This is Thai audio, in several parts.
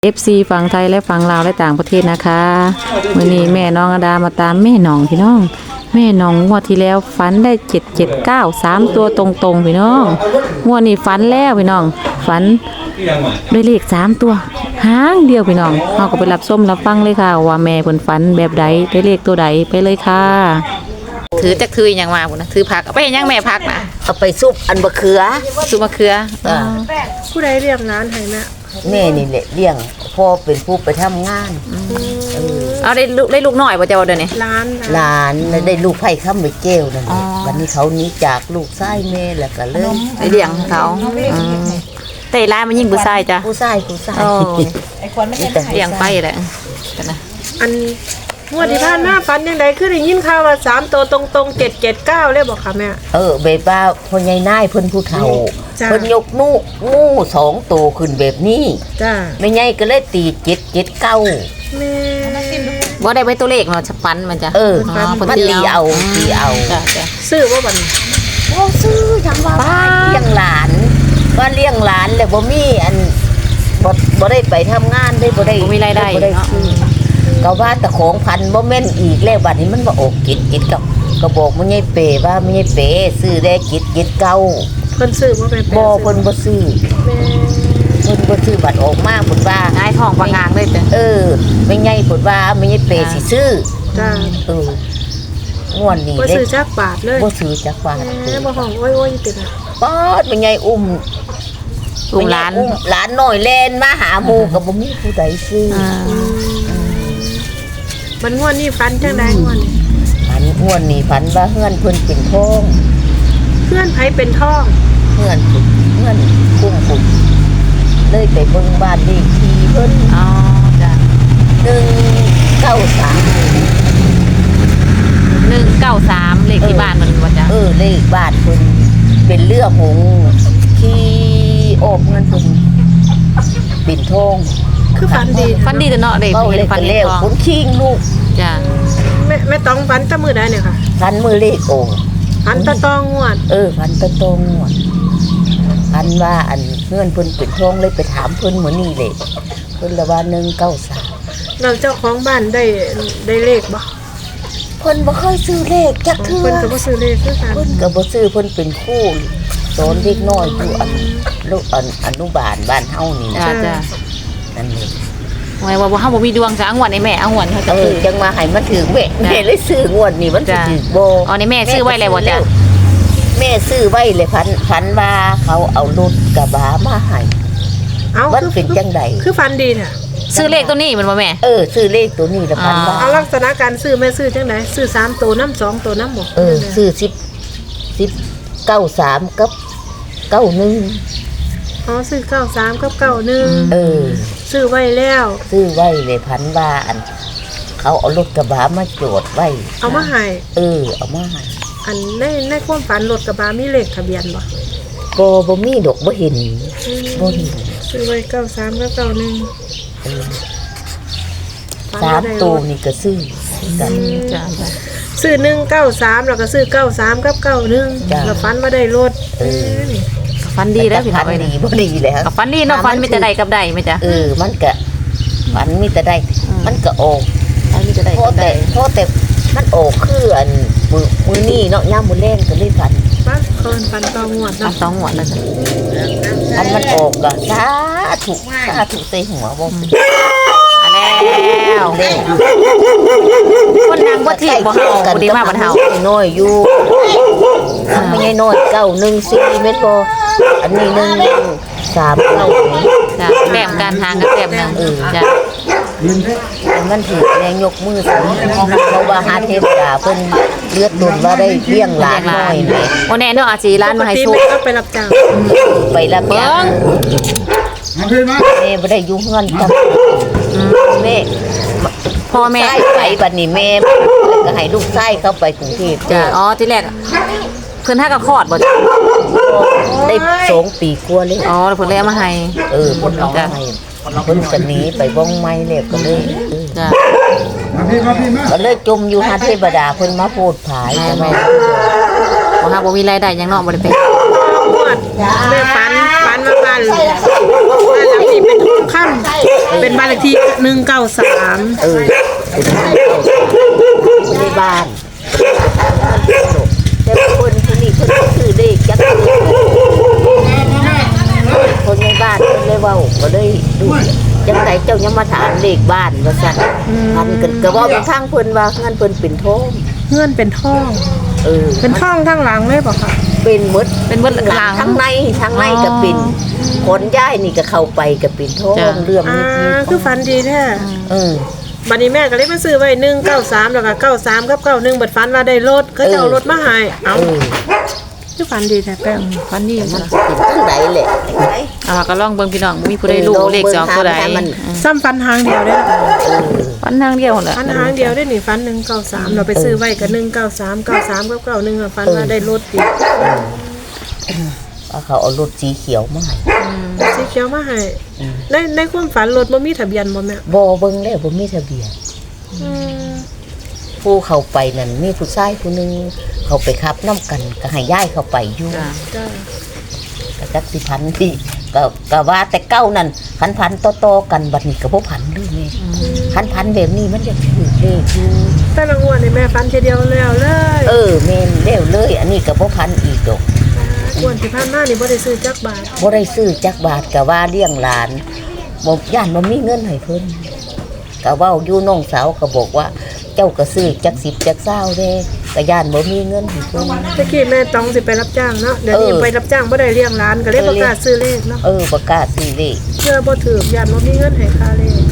FC ฝั่งไทยและฝั่งลาวและต่างประเทศนะคะมื้อนี้แม่น้องอดามาตามแม่น้องพี่น้องแม่น้องงวดที่แล้วฝันได้779 3ตัวตรงๆพี่น้องงวดนี้ฝันแล้วพี่น้องฝันได้เลข3ตัวหางเดียวพี่น้องเฮาก็ไปรับชมรับฟังเลยค่ะว่าแม่เพิ่นฝันแบบใดได้เลขตัวใดไปเลยค่ะถือจักถือหยังมาพุ่นน่ะถือผักเอาไปเฮ็ดหยังแม่ผักน่ะเอาไปซุปอันบะเขือซุปมะเขือผู้ใดเรียกร้านให้แม่แม่นี่แหละเลี้ยงพ่อเป็นผู้ไปทำงานเอาได้ลูกน้อยบ่เจ้าเดี๋ยวนี้ร้านหลานแล้วได้ลูกไผ่ค้ำไปเจ้วนั่นแหอ๋ละอวันนี้เขาหนี้จากลูกชายแม่แล้วก็เริ่มไปเลี้ยงเขาแต่ร้านมันยิ่งผู้ชายจ้ะผู้ชายโอ้นี่แต่เลี้ยงไปแหละกันนะอันงวดที่ผ่านมาฝันยังไงคือได้ยินข่าวว่า3ตัวตรงๆ779เลยบอกค่ะแม่แบบว่าพ่อใหญ่นายเพิ่นผู้เฒ่าจ้ะเพิ่นยกงู2ตัวขึ้นแบบนี้จ้าแม่ใหญ่ก็เลยตี779 แม่บ่ได้ไปตัวเลขเนาะจะปันมันจ้ะเอออ๋อมันตีเอาจ้ะจ้ะซื้อว่าบัดนี้บ่ซื้อจังว่าเลี้ยงหลานว่าเลี้ยงหลานแล้วบ่มีอันบ่ได้ไปทำงานได้บ่ได้บ่มีรายได้บ่ได้เนาะซื้อก็ว่าแต่ของพันบ่แม่นอีกแล้วบัดนี้มันบ่ออกกิดก็บอกมันยายเป๋ว่ามันยายเป๋ซื้อได้กิดเก่าเพิ่นซื้อว่าเป็นบ่เพิ่นบ่ซื้อแม่เพิ่นบ่ซื้อบัดออกมาเพิ่นว่าง่ายท้องปางางเลยจ้ะแม่ใหญ่เพิ่นว่าแม่ยายเป๋สิซื้อจ้างวดนี้บ่เด้ซื้อจักบาทเลยบ่ซื้อจักบาทแม่บ่ห้องโอ้ยๆติดอ่ะป๊อดแม่ใหญ่อุ้มลูกหลานหลานน้อยแล่นมาหาหมู่ก็บ่มีผู้ใดซื้อมันงวดนี้ฝันจังได๋งวดนี้งวดนี้ฝันว่าเฮือนเพิ่นเป็นทองเพื่อนไผเป็นทองเฮือนคุ้มพุ่นเลยไปเบิ่งบ้านเลขที่เพิ่นอ๋อจ้ะ 193 193เลขที่บ้านมันว่าจ้ะเลขบ้านเพิ่นเป็นเรือหงส์ที่โอบเงินเพิ่นเป็นทองคือฝันดีฟันดีแต่เนาะเด็กเว้าเห็เลนขฟันกันเห็แล้นวทองคนคิงลูกจ้ะแม่ต้องฝันแตะมื้อใดเนี่ยค่ะพันมือเลขโอ่งฝันตะตองงวดพันตะตรงหมดพันว่าอันเงื่อนเพิ่นเป็นทองเลยไปถามเพิ่นเหมือนนี่เลยเพิ่นละว่า193 เราเจ้าของบ้านได้เลขบ่เพิ่นบ่เคยซื้อเลขจักเทื่อเพิ่นก็บ่ซื้อเลขคือกันเพิ่นก็บ่ซื้อเพิ่นเป็นครูสอนเด็กน้อยอยู่ลูกอนุบาลบ้านเฮานี่จ้ะนะจ้ะนั่นเองไว้ว่าเฮาบ่มีดวงจ้ะอังวดในแม่อังวดเขาจะคือจังมาให้มันถึงแม่เลยซื้องวดนี้มันสิถึงบ่อ๋อในแม่ซื้อไว้แล้วบ่จ้ะแม่ซื้อไว้เลยพันว่าเขาเอารถกระบะมาให้เอ้ามันเป็นจังได๋คือฝันดีเนี่ยซื้อเลขตัวนี้มันบ่แม่ซื้อเลขตัวนี้ละพันว่าเอาลักษณะการซื้อแม่ซื้อจังไดซื้อ3ตัวน้ำ2ตัวน้ำบ่ซื้อ93กับ91 อ๋อซื้อ93กับ91ซื้อไว้แล้วซื้อไว้เลยพันว่าอันเขาเอารถกระบะมาโจดไว้เอามาให้เอามาให้อันในความฝันรถกระบะมีเลขทะเบียนบ่บ่มีดอกบ่เห็นบ่เห็นซื้อไว้93กับ91 3ตัวนี่ก็ซื้อกันจ้ะจ้ะซื้อ193แล้วก็ซื้อ93กับ91แล้วฝันว่าได้รถนี่ฟันดีแล้วพี่น้องพัเอ้ยดีบ่ดีแล้วกับฟันดีเนาะฟันมีแต่ใดกับใดไหมจ๊ะมันก็ฝันมีแต่ได้มันก็ออกฟันมีแต่ใดพอกับใดแต่มันออกคืออันมือนี่เนาะย่ามมือแรงก็เลยฝันบ้านเพิ่นฝันตองวดอ่ะเนาะ 2งวดแล้วจ้ะอันมันออกก็สาธุใส่หัวบ่เป็นอ่ะแล้วเด้คนนางบ่ถีบบ่เฮาบ่ดีมาบ่เฮาน้อยอยู่ไม่ใช่น้อย914เม็ดบ่อันนี้139นี่จ้ะแต้มการทางกับแต้มหนึงจ้ะแต่มันถือแรงยกมือสูงเพราะว่าหาเทพดาเพิ่นเลือดตุนว่าได้เลี้ยงหลานน้อยแม่บ่แน่เนาะอาจสิร้านมาให้ปกสู้ติแม่ก็ไปรับจ้างไปละเมียเบิ่งแม่บ่ได้อยู่เฮือนกับแม่พ่อแม่ใช่ไปบัดนี้แม่ก็ให้ลูกชายเข้าไปกรุงเทพจ้ะอ๋อที่แรกเพิ่นหาก็คลอดบ่จ้ะได้2 ปีกว่าเลยอ๋อแล้วเพิ่นเลยเอามาให้เพิ่นเอาให้เพิ่นก็หนีไปบ้องไม้แล้วก็เลยจ้ะก็เลยจมอยู่หาเทพดาเพิ่นมาโพดผายจังได๋บ่หาบ่มีรายได้หยังเนาะบ่ได้ไปงวดแม่ฝันว่าบ้านหลังนี้เป็นทองคำเป็นบ้านเลขที่193 เออเป็นในบ้านแต่คนคนนี้คนซื้อเลขจักคนในบ้านคนเลยเว้าก็เลยดูจังไดเจ้ายังมาถามเลขบ้านว่าซั่นพันกันก็ว่าเป็นทางเพิ่นว่างั้นเพิ่นเป็นทองเงื่อนเป็นทองเออเป็นทองทั้งหลังเลยป่ะคะเป็นหมดเป็นเบิดหลังทั้งในก็เป็นคนย้ายนี่ก็เข้าไปก็เป็นทองจ้ะเรื่องอ่านี้คือฝันดีแท้เออบัดนี้แม่ก็เลยมาซื้อไว้193แล้วก็93กับ91บัดฝันว่าได้รถเขาจะเอารถมาให้เอาเออคือฝันดีแท้แป้งฟันดีมันจ้ะเป็นทั้งใดแหละเอาก็ลองเบิ่งพี่น้องมีผู้ใดรู้เลขจะออกตัวใดซ้ำฟันหางเดียวได้อฟันทางเดียวนั่นแหละฟันหางเดียวได้นี่ฟัน193เราไปซื้อไว้กับ193 93กับ91อะฟันว่าได้รถอีกเอาเขาเอารถสีเขียวมาให้สีเขียวมาให้ในความฝันรถบ่มีทะเบียนบ่แม่บ่เบิ่งแล้วบ่มีทะเบียนอืมผู้เข้าไปนั่นมีผู้ชายผู้หนึงเขาไปขับน้ำกันก็ให้ย้ายเข้าไปอยู่จ้ะจ้าก็จักสิพันที่ก็ว่าแต่เก้านั่นพันต่อๆกันบัดนี้ก็บ่พันเลยแม่พันแบบนี้มันจะถูกเลขอยู่แต่ละงวดนี่แม่ฟันทีเดียวแล้วเลยเออแม่นแล้วเลย อันนี้ก็บ่พันอีกดอกงวดที่ผ่านมานี่บ่ได้ซื้อจักบาทบ่ได้ซื้อจักบาทก็ว่าเลี้ยงหลานบ่ย่านบ่มีเงินให้เพิ่นก็เว้าอยู่น้องสาวก็บอกว่า เจ้าก็ซื้อจัก10จัก20เด้ก็ย่านบ่มีเงินให้เพิ่นตะกี้แม่ต้องสิไปรับจ้างเนาะเดี๋ยวนี้เออไปรับจ้างบ่ได้เลี้ยงร้านก็เลยประกล้าศซื้อเลขเนาะประกาศซื้อเลขเพื่อบ่ถือย่านบ่มีเงินให้ค่าเลข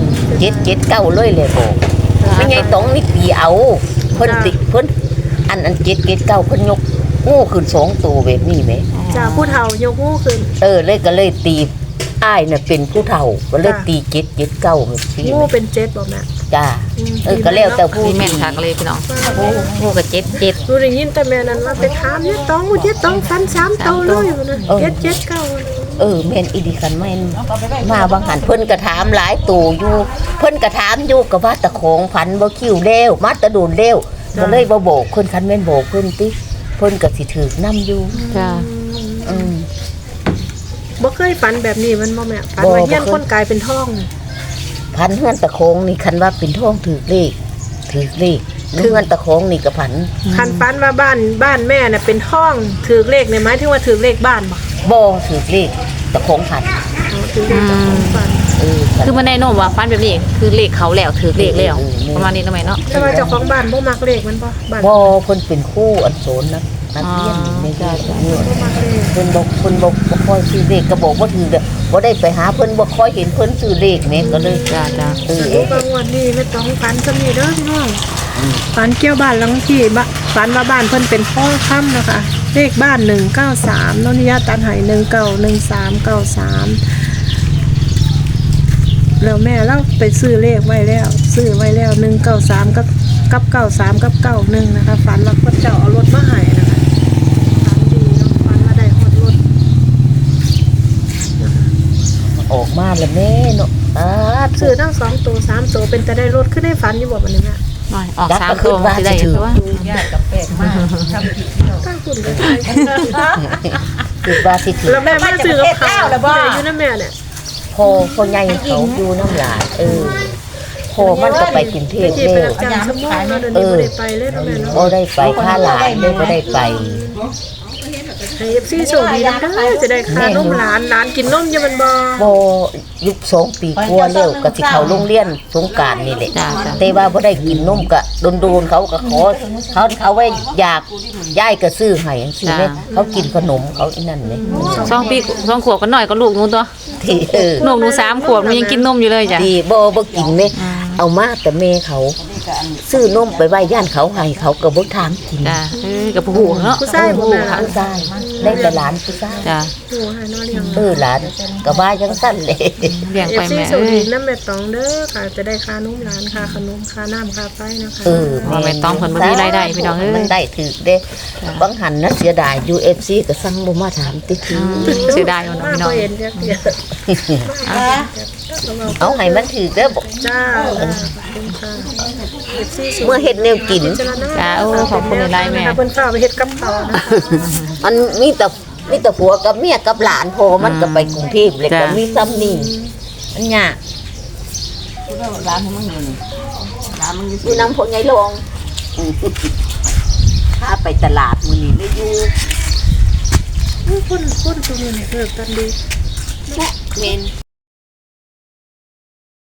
779เลยแหละบอกไม่ไงต้องนี่ตีเอาเพิ่นติเพิ่นอัน779เพิ่นยกงูขึ้น2ตัวแบบนี้แหมจากผู้เฒ่ายกหูขึ้นเลยก็เลยตีอ้ายน่ะเป็นผู้เฒ่าก็เลยตี779แบบนี้งูเป็น7บ่แม่จ้าก็แล้วแต่ผู้มีแม่นคักเลยพี่น้องผู้ก็7 7 รู้ได้ยินแต่แม่นั้นว่าไปถามเนี่ยต้องฟัน3โตเลยอยู่นะ779 แม่นอีดีคันแม่นมาบางหันเพิ่นก็ถามหลายตู่อยู่เพิ่นก็ถามอยู่ก็ว่าตะของพันบ่คิวแล้วมาตะโดนแล้วก็เลยบ่โบกเพิ่นคันแม่นโบกเพิ่นติเพิ่นก็สิถูกนำอยู่จ้ะอืมบ่เคยฝันแบบนี้มันบ่แม่ฝันว่าเฮียนคนกลายเป็นทองพันเฮือนตะโคงนี่คันว่าเป็นท่องถูกเลขเฮือนตะโคงนี่ก็พันคันฝันว่าบ้านแม่น่ะเป็นทองถือเลขเนี่ยหมายถึงว่าถือเลขบ้านบ่บ่ถูกเลขตะโคงพันถือเลขจากของฝันคือมันแน่นอนว่าฟันแบบนี้คือเลขเขาแล้วถือเลขแล้วประมาณนี้ทำไมเนาะแต่ว่าเจ้าของบ้านบ่มักเลขมันบ่บ้านบ่เพิ่นเป็นครูอันโสนนะนักเรียนในจ้าเนี่ยบ่มักเลขเพิ่นบ่ค่อยซื้อเลขก็บอกว่าถือเด้อบ่ได้ไปหาเพิ่นบ่ค่อยเห็นเพิ่นซื้อเลขแม่ก็เลยจ้ะจ้ะสรุปว่างวดนี้ไม่ต้องฝันจะมีเด้อพี่น้องฝันเกี่ยวบ้านหลังที่ฝันว่าบ้านเพิ่นเป็นพ่อค่ำนะคะเลขบ้าน193นนทิยาตันไห191393แล้วแม่เราไปซื้อเลขไว้แล้ว193กับ93กับ91นะคะฝันว่าพระเจ้าเอารถมาให้นะคะฝันดีเนาะฝันว่าได้ฮอดรถออกมาแล้วแม่เนาะซื้อทั้ง2ตัว3ตัวเป็นแต่ได้รถขึ้นได้ฝันอยู่บ่บัดนี้แม่หน่อยออก3ตัวสิได้คือว่าตั้งคุณเลยคือว่าสิถือแล้วแม่มาซื้อกับข้าวแล้วบ่อยู่นะแม่เนี่ยพ่อใหญ่เขาอยู่น้ำหลานพ่อมันก็ไปกรุงเทพที่ไปแล้วรับจ้างชั่วโมงเนาะเดี๋ยวนี้บ่ได้ไปเลยเนาะแม่เนาะบ่ได้ไปค่าหลานเลยบ่ได้ไปให้ FC โชคดีนะเด้อจะได้ค่านมหลานกินนมอยู่มันบ่บ่ยุค2 ปีกว่าแล้วก็สิเข้าโรงเรียนสงกรานต์นี่แหละจ้ะจ้ะแต่ว่าบ่ได้กินนมก็โดนๆเขาก็ขอเขาไว้อยากยายก็ซื้อให้จังซี่แม่เขากินขนมเขาอีนั่นแม่ 2 ปี2 ขวบก็น้อยก็ลูกหนูตัวที่ลูกหนู3 ขวบมันยังกินนมอยู่เลยจ้ะที่บ่กินแม่เอามาแต่แม่เขาซื้อนมไปไว้ย่านเขาให้เขาก็บ่ถามกินจ้ะกับผู้เนาะผู้ชายบ่แม่ผู้ชายได้แต่หลานผู้ชายจ้ะโอ้ให้น้อเลี้ยงหลานก็ว่าจังซั่นเลยเลี้ยงไป FC แม่โชคดีนะแม่ตองเด้อค่ะจะได้ค่านมหลานค่าขนมค่าน้ำค่าไฟนะคะว่าแม่ต้องเพิ่นบ่มีรายได้พี่น้องเอ้มันยได้ถึกเด้บางหันนะเสียดาย UFC ก็สั่งบ่มาถามติทีเสียดายเอาเนาะมาพี่น้บ่องเห็นจักเดียวเอาให้มันถึกเด้อบอกจ้าขอบคุณค่ะ FC เมื่อเฮ็ดแนวกินจ้าโอ้ขอบคุณหลายๆแม่เพิ่นฝากไปเฮ็ดกับข้าวนะคะมันมีแต่มีแต่ผัวกับเมียกับหลานพอมันก็ไปกรุงเทพเลยก็มีซ้ำนี่มันยากร้านให้มันอยู่นี่ร้านมันอยู่น้ำพวกไงลงถ้าไปตลาดมื้อนี้เลยอยู่คนตรงนี้เกิดกันดีแม่เมน